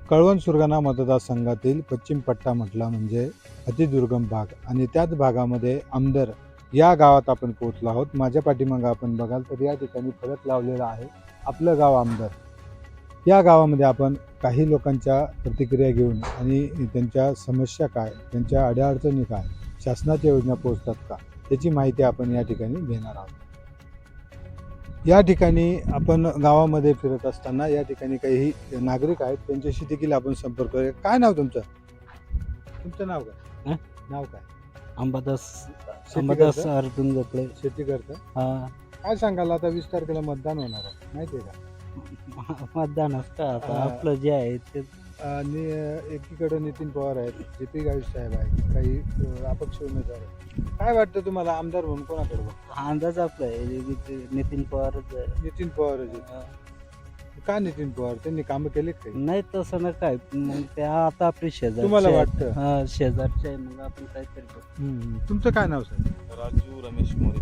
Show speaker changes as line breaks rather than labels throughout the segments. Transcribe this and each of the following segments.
कळवण सुरगाणा मतदारसंघातील पश्चिम पट्टा म्हटला म्हणजे अतिदुर्गम भाग आणि त्याच भागामध्ये आमदर या गावात आपण पोहोचलो आहोत. माझ्या पाठीमागं आपण बघाल तर या ठिकाणी फलक लावलेला आहे, आपलं गाव आमदर. या गावामध्ये आपण काही लोकांच्या प्रतिक्रिया घेऊन आणि त्यांच्या समस्या काय, त्यांच्या अडीअडचणी काय, शासनाच्या योजना पोहोचतात का, त्याची माहिती आपण या ठिकाणी घेणार आहोत. या ठिकाणी आपण गावामध्ये फिरत असताना या ठिकाणी काही नागरिक आहेत, त्यांच्याशी देखील आपण संपर्क करूया. काय नाव तुमचं? तुमचं नाव काय? नाव काय?
अंबादास
शेती
अंबादास
करता?
अर्जुन गोपळे.
शेती करता?
हा.
काय सांगाल, आता 20 तारखेला मतदान होणार आहे, माहिती आहे का?
मतदान असतं आता
हा.
आपलं जे आहे ते.
आणि एकीकडे नितीन पवार आहेत, JP गावित साहेब आहेत, काही अपक्ष उमेदवार आहेत. काय वाटतं तुम्हाला, आमदार म्हणून कोणाकडे बघता?
हा अंदाज आपला आहे ते नितीन पवारच आहे.
नितीन पवार आहेत.
हा.
का नितीन पवार? त्यांनी कामं केलीत काही?
नाही तसं ना काय, मग ते आता आपली शेजार
तुम्हाला वाटतं?
हा शेजारचे आहे, मग आपण काय करतो.
तुमचं काय नाव सर?
राजू रमेश मोरे.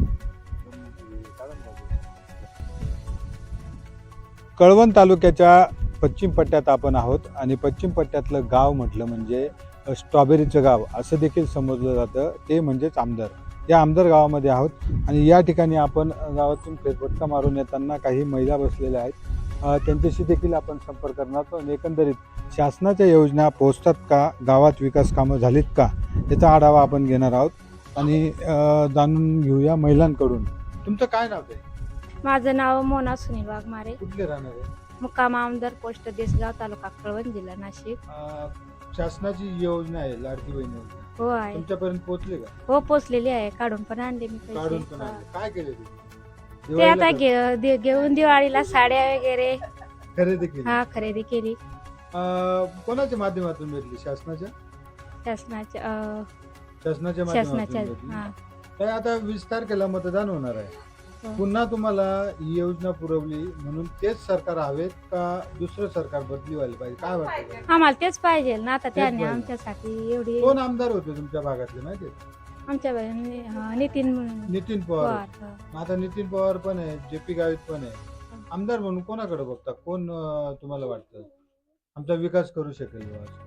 कळवण तालुक्याच्या पश्चिम पट्ट्यात आपण आहोत आणि पश्चिम पट्ट्यातलं गाव म्हटलं म्हणजे स्ट्रॉबेरीचं गाव असं देखील समजलं जातं, ते म्हणजेच आमदार. या आमदार गावामध्ये आहोत आणि या ठिकाणी आपण गावातून फेरफटका मारून येताना काही महिला बसलेल्या आहेत, त्यांच्याशी देखील आपण संपर्क करणार आहोत आणि एकंदरीत शासनाच्या योजना पोहोचतात का, गावात विकास कामं झालीत का, याचा आढावा आपण घेणार आहोत आणि जाणून घेऊया महिलांकडून. तुमचं काय नाव आहे?
माझं नाव मोना सुनील वाघमारे,
कुठले राहणार आहे?
मुक्काम आमदार पोस्ट देसगाव, तालुका कळवण, जिल्हा नाशिक.
शासनाची योजना आहे लाडकी बहीण योजना,
हो आहे.
तुमच्यापर्यंत पोहोचले का?
हो पोचलेली आहे, काढून पण आणले मी
काढून
पैसे.
पण
हा.
आणले. काय केले ते?
ते
दिवाळीला
आता
का?
घेऊन दिवाळीला साड्या वगैरे
खरेदी केली.
हा खरेदी केली
कोणाच्या माध्यमातून भेटली? शासनाच्या
शासनाच्या
शासनाच्या
शासनाच्या
माध्यमातून
हा.
भेटली. तर आता 20 तारखेला मतदान होणार आहे,
हो.
पुन्हा तुम्हाला ही योजना पुरवली म्हणून तेच सरकार हवेत का दुसरं सरकार बदली व्हायला पाहिजे, काय वाटतं?
आम्हाला तेच पाहिजे ना, आता त्यांनी
पाहिजे.
आमच्यासाठी एवढी
कोण आमदार होते तुमच्या भागातले माहिती आहे?
आमच्या नितीन
नितीन पवार
पवार.
होते.
हा.
आता नितीन पवार पण आहे, JP गावित पण आहे. आमदार म्हणून कोणाकडे बघता? कोण तुम्हाला वाटतं आमचा विकास करू शकेल बुवा असं?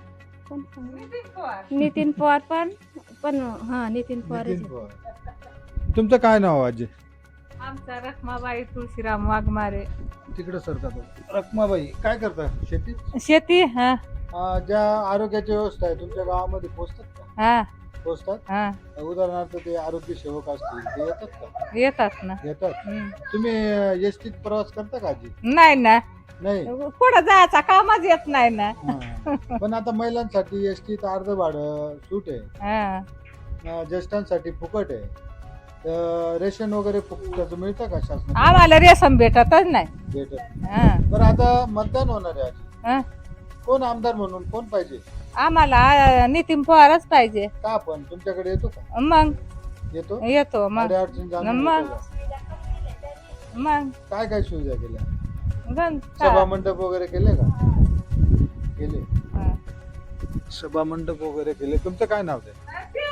नितीन पवार पण हा नितीन पवार.
नितीन पवार. तुमचं काय नाव आजी?
आमचा रखमाबाई तुळशीराम वाघमारे.
तिकडे सरतात. रखमाबाई काय करता? शेती?
शेती. हा
ज्या आरोग्याची व्यवस्था आहे तुमच्या गावामध्ये पोहोचतात का?
हा
पोहोचतात.
हा
उदाहरणार्थ ते आरोग्य सेवक असतील, ते येतात का?
येतात ना.
येतात.
हम्म.
तुम्ही एसटीत प्रवास करता का आजी?
नाही ना,
नाही.
पुढे जायचा कामच येत नाही ना.
हा. पण आता महिलांसाठी एसटीत अर्ध भाडं सूट आहे,
हा.
ज्येष्ठांसाठी फुकट आहे. रेशन वगैरे फुकटाचं मिळतं का शासनाचं?
आम्हाला रेशन भेटतच नाही.
भेटत.
हा.
बरं आता मतदान होणार आहे
हा.
आजी, कोण आमदार म्हणून कोण पाहिजे?
आम्हाला नितीन पवारच पाहिजे.
का पण तुमच्याकडे येतो का?
मग
येतो.
येतो मग.
अडचण जाणून
मग.
घेतो का?
मग
काय काय सुविधा केल्या?
गण
सभा मंडप वगैरे केले का? केले.
हा.
सभा मंडप वगैरे केले. तुमचं काय नाव आहे?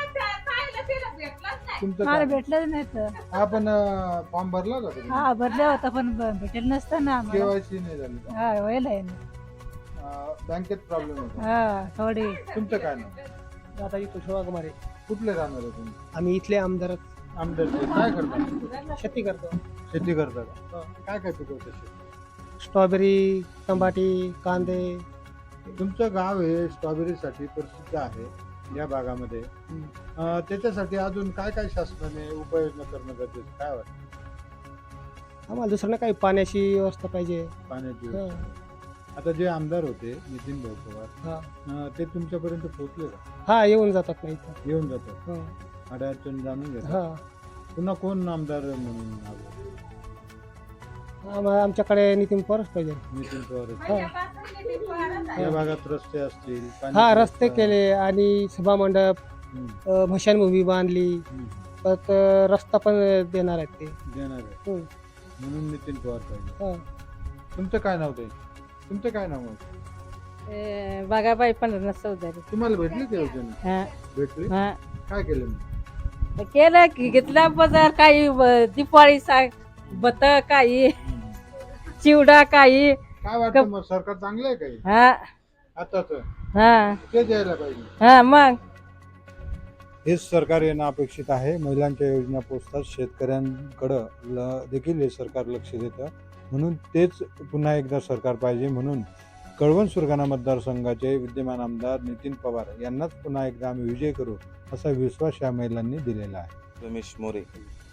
तुमचं
मला
काय?
भेटलंच नाही तर.
आपण फॉर्म भरला होता तुम्ही?
हा भरले होता पण भेटेल नसतं ना आम्हाला.
KYC नाही झाली का?
हा व्हायला आहे ना.
बँकेत प्रॉब्लेम होता.
हा थोडी.
तुमचं काय नाव?
दादाजी तुषवाकुमारे.
कुठले राहणार आहे तुम्ही?
आम्ही इथले आमदार
आमदार. काय करता?
शेती करतो.
शेती करता का? काय काय पिकवतं शेती?
स्ट्रॉबेरी, टमाटी, कांदे.
तुमचं गाव हे स्ट्रॉबेरीसाठी प्रसिद्ध आहे या भागामध्ये. त्याच्यासाठी अजून काय काय शासनाने उपाययोजना करणं गरजेचं, काय वाटतं?
आम्हाला दुसरं काही पाण्याची व्यवस्था पाहिजे.
पाण्याची
हा.
व्यवस्था. आता जे आमदार होते नितीन भाऊ पवार,
हा.
ते तुमच्यापर्यंत पोहोचले का?
हा येऊन जातात नाही तर.
येऊन जातात,
हा.
अडचण जाणून घेतात.
हा.
पुन्हा कोण आमदार म्हणून आलं?
आमच्याकडे नितीन पवारच पाहिजे.
नितीन पवार.
हा.
या भागात रस्ते असतील, पाण्याची
हा रस्ते
व्यवस्था.
केले आणि सभा मंडप,
हम्म,
भशानभूमी बांधली.
हम्म.
परत रस्ता पण देणार आहेत ते.
देणार आहे
हम्म.
म्हणून नितीन पवार पाहिजे.
हा.
तुमचं काय नाव ते? तुमचं काय नाव आहे?
बागाबाई पण चौधरी.
तुम्हाला भेटली ते योजना?
हा.
भेटली.
हा.
काय केलं मग?
केलं की घेतला बाजार काही दिपाळी बत काही चिवडा काही.
काय वाटतं मग, सरकार चांगलं आहे काही?
हा.
आताच
हा
ते द्यायला पाहिजे.
हा मग
हेच सरकार येणं अपेक्षित आहे. महिलांच्या योजना पोचतात, शेतकऱ्यांकडं देखील हे सरकार लक्ष देतं. म्हणून तेच पुन्हा एकदा सरकार पाहिजे. म्हणून कळवण सुरगाणा मतदारसंघाचे विद्यमान आमदार नितीन पवार यांनाच पुन्हा एकदा आम्ही विजय करू असा विश्वास या महिलांनी दिलेला आहे.
रमेश मोरे.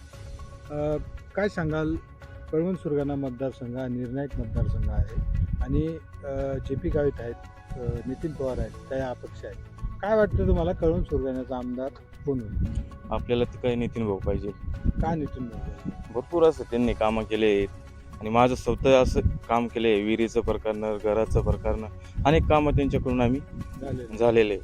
काय सांगाल, कळवण सुरगाणा मतदारसंघ हा निर्णायक मतदारसंघ आहे आणि जे पी गावित आहेत, नितीन पवार आहेत, काही अपक्ष आहेत. काय वाटतं तुम्हाला, कळवण सुरगाण्याचा आमदार कोण होईल?
आपल्याला तर काही नितीन भाऊ पाहिजे.
का नितीन भाऊ?
भरपूर असं त्यांनी कामं केले आहेत आणि माझं स्वतः असं काम केलं आहे. विहिरीचं प्रकरणं, घराचं प्रकरणं, अनेक कामं त्यांच्याकडून आम्ही झालेले.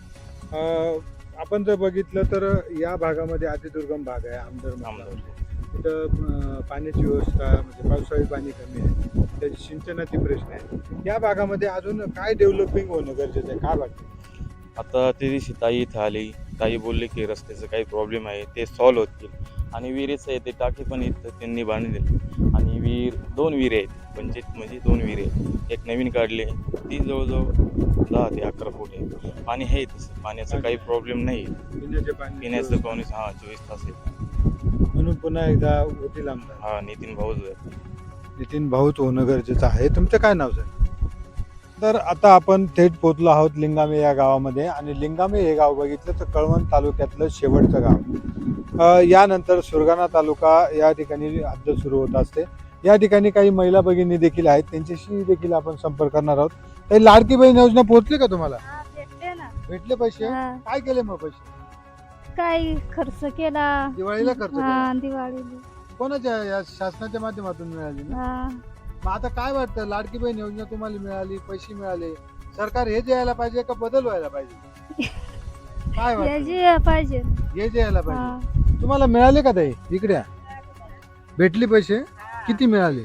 आपण जर बघितलं तर या भागामध्ये अतिदुर्गम भाग आहे आमदार. तिथं पाण्याची व्यवस्था म्हणजे पावसाळी पाणी कमी आहे, त्याची सिंचनाचे प्रश्न आहे. या भागामध्ये अजून काय डेव्हलपिंग होणं गरजेचं आहे, काय वाटतं?
आता ते दिवशी ताई इथं आली, ताई बोलले की रस्त्याचं काही प्रॉब्लेम आहे ते सॉल्व्ह होतील आणि विहिरीचं आहे ते टाकी पण इथं त्यांनी बांधली आणि दोन विहिरी आहेत, पंचायत म्हणजे 2 विहिरी आहेत. एक नवीन काढली, ती जवळजवळ 10 ते 11 फूट आहे. पाणी आहे तसं, पाण्याचा काही प्रॉब्लेम नाही. पिण्याचं पाणी 24 तास आहे.
म्हणून पुन्हा एकदा होतील आमदार.
नितीन भाऊच आहे.
नितीन भाऊच होणं गरजेचं आहे. तुमचं काय नाव सर? तर आता आपण थेट पोहोचलो आहोत लिंगामे या गावामध्ये आणि लिंगामे हे गाव बघितलं तर कळवण तालुक्यातलं शेवटचं गाव. यानंतर सुरगाणा तालुका या ठिकाणी हद्द सुरू होत असते. या ठिकाणी काही महिला भगिनी देखील आहेत, त्यांच्याशी देखील आपण संपर्क करणार आहोत. काही लाडकी बहीण योजना पोहोचली का तुम्हाला?
भेटले ना.
भेटले पैसे? काय केले मग पैसे?
काय खर्च केला
दिवाळीला खर्च केला?
दिवाळीला.
कोणाच्या या शासनाच्या माध्यमातून मिळाली ना? मग आता काय वाटतं, लाडकी बहीण योजना तुम्हाला मिळाली, पैसे मिळाले, सरकार हे द्यायला पाहिजे का बदल व्हायला पाहिजे? काय वाटतं?
पाहिजे
हे द्यायला पाहिजे. तुम्हाला मिळाले का ताई? इकडे या. भेटली पैसे? किती मिळाले?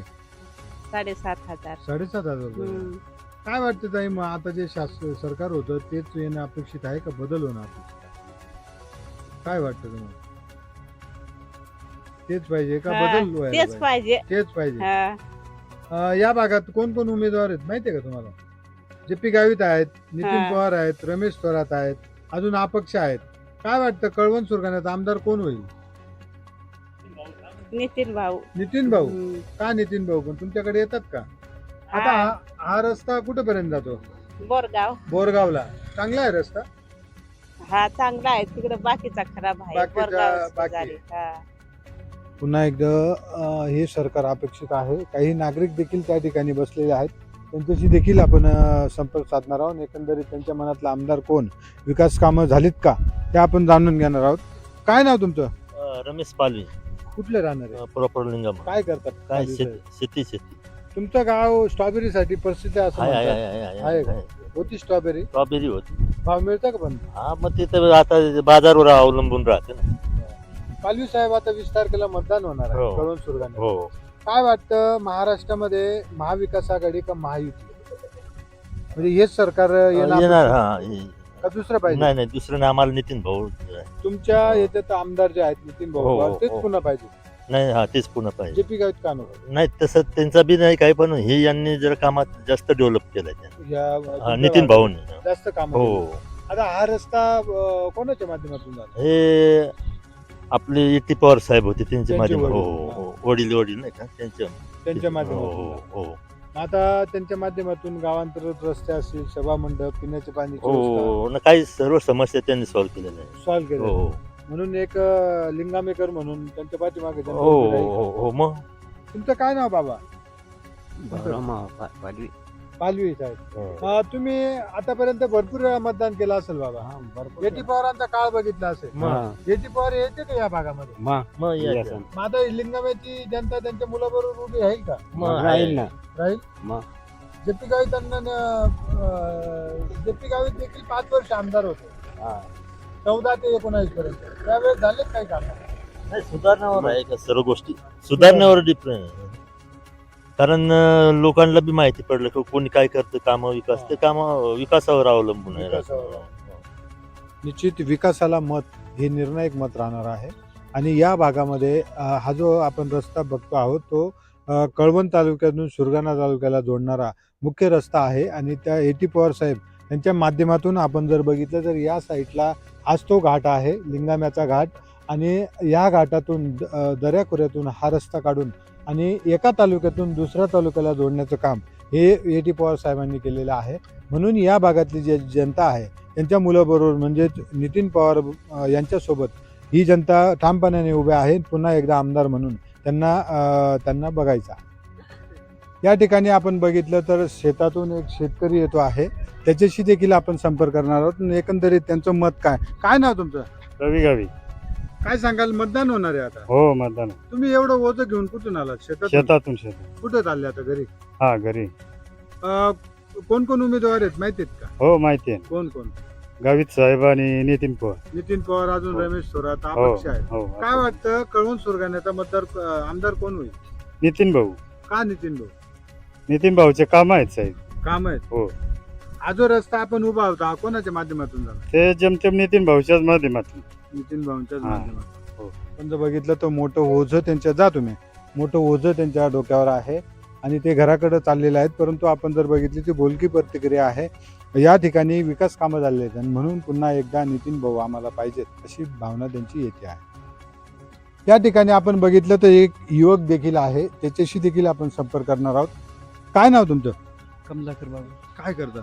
7,500.
7,500 रुपये. काय वाटतं ताई, मग आता जे सरकार होतं तेच येणं अपेक्षित आहे का बदल होणं अपेक्षित आहे? काय वाटतं तुम्हाला? तेच पाहिजे का बदल व्हायला
तेच पाहिजे.
तेच पाहिजे.
हा.
या भागात कोण कोण उमेदवार आहेत माहितीये का तुम्हाला? जे पी गावित आहेत, नितीन पवार आहेत, रमेश थोरात आहेत, अजून अपक्ष आहेत. काय वाटतं, कळवण सुरगाण्याचा आमदार कोण होईल?
नितीन भाऊ.
नितीन भाऊ. का नितीन भाऊ? पण तुमच्याकडे येतात का? आता हा रस्ता कुठेपर्यंत जातो? बोरगावला. चांगला आहे रस्ता?
हा चांगला आहे, तिकडे बाकीचा खराब आहे.
बाकी. पुन्हा एकदा हे सरकार अपेक्षित आहे. काही नागरिक देखील त्या ठिकाणी बसलेले आहेत, त्यांच्याशी देखील आपण संपर्क साधणार आहोत. एकंदरीत त्यांच्या मनातला आमदार कोण, विकास कामं झालीत का, ते आपण जाणून घेणार आहोत. काय नाव तुमचं?
रमेश पालवी.
कुठले राहणार आहे?
प्रॉपर लिंगम.
काय करतात?
काय शेती.
तुमचं गाव स्ट्रॉबेरीसाठी प्रसिद्ध आहे असं म्हणतात. आहे का?
आहे.
होती स्ट्रॉबेरी?
स्ट्रॉबेरी होती.
भाव मिळतं का? पण
मग तिथं आता बाजारवर अवलंबून राहते ना.
पालवी साहेब, आता 20 तारखेला मतदान होणार आहे
हो.
कळवण सुरगाणा.
हो.
काय वाटतं, महाराष्ट्रामध्ये महाविकास आघाडी का महायुती? म्हणजे हेच सरकार
येणार.
का दुसरं पाहिजे?
नाही दुसरं नाही, आम्हाला नितीन भाऊ.
तुमच्या याच्यात आमदार जे आहेत नितीन भाऊ
हो,
पवार, तेच
हो.
पुन्हा पाहिजे?
नाही तेच पुन्हा पाहिजे.
जे पी गावित का नको?
नाही तसं त्यांचा बी नाही काही, पण हे यांनी जर कामात जास्त डेव्हलप केलंय त्यांनी.
या
नितीन भाऊनी.
जास्त काम.
हो.
आता हा रस्ता कोणाच्या माध्यमातून झाला?
हे आपले इटी पवार साहेब होते त्यांच्या
त्यांचे
माध्यमात.
वडील.
हो. वडील नाही का त्यांच्या
त्यांच्या माध्यमातून.
हो.
आता त्यांच्या माध्यमातून गावांतर्गत रस्ते असतील, सभा मंडप, पिण्याच्या पाण्याची व्यवस्था
हो. काही सर्व समस्या त्यांनी सॉल्व्ह केलेल्या आहे.
सॉल्व्ह केले.
हो.
म्हणून एक लिंगामेकर म्हणून त्यांच्या पाठीमागे त्यांनी
हो.
उभी राहिली.
हो. मग
तुमचं काय नाव बाबा?
पालवी.
पालवी साहेब. तुम्ही आतापर्यंत भरपूर वेळा मतदान केलं असेल बाबा. जेटी पवारांचा काळ बघितला असेल. जेटी पवार येते का या भागामध्ये?
मग या.
मग आता लिंगामेची जनता त्यांच्या मुलाबरोबर उभी राहील का?
मग राहील ना.
राहील.
मग.
जेपी गावित देखील 5 वर्ष आमदार होते. 14 ते 19 पर्यंत. त्यावेळेस झाले काही काम?
नाही, सुधारण्यावर आहे का सर्व गोष्टी, सुधारण्यावर डिपेंड. कारण लोकांना बी माहिती पडलं की कोणी काय करतं काम, विकास ते काम विकासावर अवलंबून आहे.
निश्चित विकासाला मत हे निर्णायक मत राहणार आहे. आणि या भागामध्ये हा जो आपण रस्ता बघतो आहोत तो कळवण तालुक्यातून सुरगाणा तालुक्याला जोडणारा मुख्य रस्ता आहे आणि त्या एटी पवार साहेब त्यांच्या माध्यमातून आपण जर बघितलं तर या साईडला हाच तो घाट आहे, लिंगाम्याचा घाट, आणि या घाटातून दऱ्याखोऱ्यातून हा रस्ता काढून आणि एका तालुक्यातून दुसऱ्या तालुक्याला जोडण्याचं काम हे A.T. पवार साहेबांनी केलेलं आहे. म्हणून या भागातली जी जनता आहे त्यांच्या मुलाबरोबर म्हणजेच नितीन पवार यांच्यासोबत ही जनता ठामपणाने उभ्या आहे. पुन्हा एकदा आमदार म्हणून त्यांना बघायचा. या ठिकाणी आपण बघितलं तर शेतातून एक शेतकरी येतो आहे, त्याच्याशी देखील आपण संपर्क करणार आहोत. एकंदरीत त्यांचं मत काय नाव तुमचं?
रवी गावी.
काय सांगाल? मतदान होणार आहे आता.
हो मतदान.
तुम्ही एवढं ओझं घेऊन कुठून आलात?
शेतातून.
कुठं चालले आता? घरी.
हा घरी.
कोण कोण उमेदवार आहेत माहिती आहेत का?
हो माहिती आहे.
कोण कोण?
गावित साहेब आणि नितीन पवार.
नितीन पवार, अजून
हो.
रमेश थोरात,
हो
अपक्ष आहेत.
हो.
काय वाटतं कळवण सुरगाण्याचा आमदार कोण होईल?
नितीन भाऊ.
का नितीन भाऊ?
नितीन भाऊचे काम आहेत साहेब.
काम आहेत.
हो.
हा जो रस्ता आपण उभा होता हा कोणाच्या माध्यमातून झाला?
ते जमतेम नितीन भाऊच्याच माध्यमातून.
नितीन भाऊंच्याच
हा.
माध्यमातून.
हो.
पण जर बघितलं तर मोठं ओझं मोठं ओझं त्यांच्या डोक्यावर आहे आणि ते घराकडे चाललेलं आहेत. परंतु आपण जर बघितली ती बोलकी प्रतिक्रिया आहे. या ठिकाणी विकास कामं झालेली आहेत आणि म्हणून पुन्हा एकदा नितीन भाऊ आम्हाला पाहिजेत अशी भावना त्यांची येते आहे. या ठिकाणी आपण बघितलं तर एक युवक देखील आहे, त्याच्याशी देखील आपण संपर्क करणार आहोत. काय नाव तुमचं?
कमलाकर बाबू.
काय करता?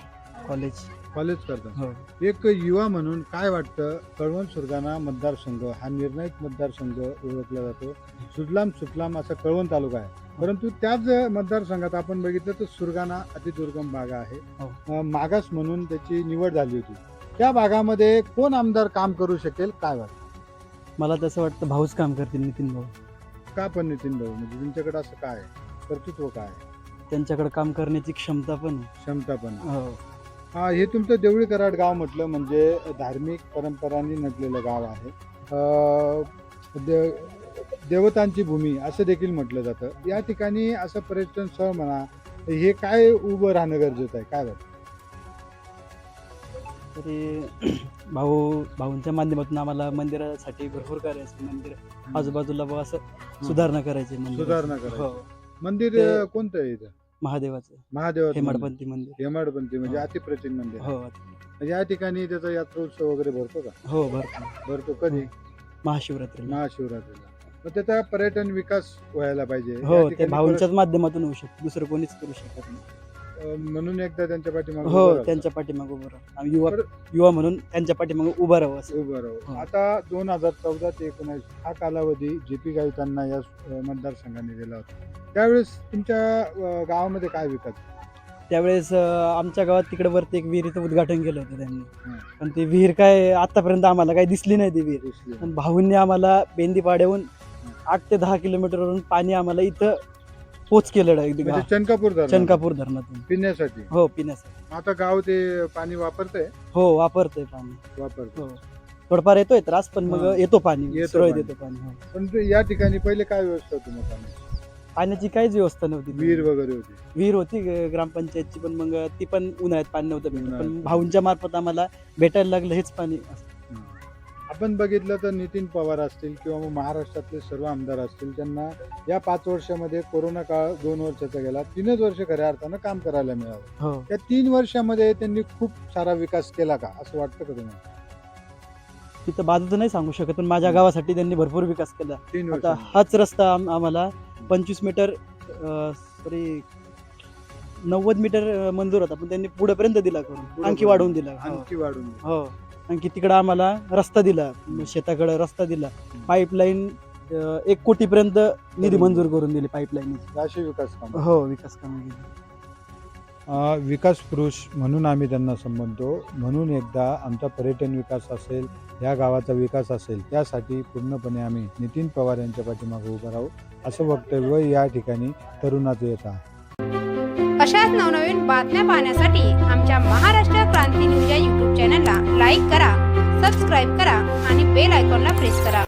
कॉलेज करता.
हो.
एक युवा म्हणून काय वाटतं, कळवण सुरगाणा मतदारसंघ हा निर्णायक मतदारसंघ ओळखला जातो. सुजलाम असा कळवण तालुका आहे, परंतु त्याच मतदारसंघात आपण बघितलं तर सुरगाणा अतिदुर्गम भाग आहे. मागास म्हणून त्याची निवड झाली होती. त्या भागामध्ये कोण आमदार काम करू शकेल काय वाटतं?
मला तसं वाटतं भाऊच काम करतील, नितीन भाऊ.
का पण नितीन भाऊ? म्हणजे तुमच्याकडे असं काय आहे? कर्तृत्व काय आहे?
त्यांच्याकडे काम करण्याची क्षमता पण आहे.
क्षमता पण आहे.
हो.
हा, हे तुमचं देवळी कराड गाव म्हटलं म्हणजे धार्मिक परंपरांनी नटलेलं गाव आहे. देवतांची भूमी असं देखील म्हटलं जातं. या ठिकाणी असं पर्यटन स्थळ म्हणा, हे काय उभं राहणं गरजेचं आहे काय वाटतं?
तरी भाऊंच्या माध्यमातून आम्हाला मंदिरासाठी भरपूर करायचं. मंदिर आजूबाजूला बघ असं सुधारणा करायची.
सुधारणा करायची.
हो.
मंदिर कोणतं आहे इथं?
महादेवाचं.
महादेवाचं
हेमाडपंथी मंदिर.
हेमाडपंथी म्हणजे
हो.
अतिप्राचीन मंदिर.
हो.
म्हणजे या ठिकाणी त्याचा यात्रोत्सव वगैरे भरतो का?
हो भरपूर.
भरतो. कधी?
महाशिवरात्रीला.
महाशिवरात्रीला. मग त्याचा पर्यटन विकास व्हायला पाहिजे. या
हो, ते
ठिकाणी
भाऊंच्याच माध्यमातून होऊ शकतो, दुसरं कोणीच करू शकत नाही.
म्हणून एकदा त्यांच्या पाठीमागे उभं
हो,
राहावं.
त्यांच्या पाठीमागे उभं राहा. आम्ही युवा म्हणून त्यांच्या पाठीमागे उभं राहावं असं.
उभं राहू.
हो.
आता 2014 ते 19 हा कालावधी JP गावितांना या मतदारसंघाने दिला होता. त्यावेळेस तुमच्या गावामध्ये काय विकास?
त्यावेळेस आमच्या गावात तिकडे वरती एक विहिरीचं उद्घाटन केलं होतं त्यांनी.
हं.
पण ती विहीर काय आतापर्यंत आम्हाला काही दिसली नाही ती विहीर.
दिसली.
पण भाऊंनी आम्हाला बेंदीपाड्याहून 8 ते 10 किलोमीटरवरून पाणी आम्हाला इथं पोच केलं
म्हणजे
आहे
चनकापूर
धरणातून.
पिण्यासाठी.
हो, पिण्यासाठी.
आता गाव ते पाणी वापरतंय.
हो, वापरतंय पाणी.
वापरतो.
हो, थोडंफार येतोय त्रास पण मग
हां.
येतो पाणी.
येतो
सुरळीत
पाणी.
येतो पाणी. हो.
पण या ठिकाणी पहिले काय व्यवस्था होती मग पाण्याची?
पाण्याची काहीच व्यवस्था नव्हती.
विहीर वगैरे होती.
विहीर होती ग्रामपंचायतची, पण मग ती पण उन्हाळ्यात पाणी नव्हतं भेटत.
उन्हाळ्यात.
पण भाऊंच्या मार्फत आम्हाला भेटायला लागलं हेच पाणी.
आपण बघितलं तर नितीन पवार असतील किंवा मग महाराष्ट्रातले सर्व आमदार असतील, त्यांना या 5 वर्षामध्ये कोरोना काळ 2 वर्षाचा गेला. 3च वर्ष खऱ्या अर्थानं काम करायला मिळालं.
हो.
त्या 3 वर्षामध्ये त्यांनी खूप सारा विकास केला का असं वाटतं का तुम्हाला?
तिथं बाजूचं नाही सांगू शकत, पण माझ्या गावासाठी त्यांनी भरपूर विकास केला.
3
आता
वर्ष.
हाच रस्ता आम्हाला 25 मीटर सॉरी 90 मीटर मंजूर होता, पण त्यांनी पुढेपर्यंत दिला करून, आणखी वाढवून दिला. हो.
आणखी वाढून.
हो, आणखी तिकडं आम्हाला रस्ता दिला, शेताकडे रस्ता दिला. पाईपलाईन 1 कोटीपर्यंत निधी मंजूर करून दिली पाईपलाईन.
अशी विकास काम.
हो, विकास कामं केली.
विकास पुरुष म्हणून आम्ही त्यांना संबोधतो. म्हणून एकदा आमचा पर्यटन विकास असेल, या गावाचा विकास असेल, त्यासाठी पूर्णपणे आम्ही नितीन पवार यांच्या पाठीमागे उभं राहू असं वक्तव्य या ठिकाणी तरुणाचं येत आहे.
अशाच नवनवीन बातम्या पाहण्यासाठी आमच्या महाराष्ट्र क्रांती न्यूज या YouTube चॅनलला लाईक करा, सबस्क्राईब करा आणि बेल आयकॉनला प्रेस करा.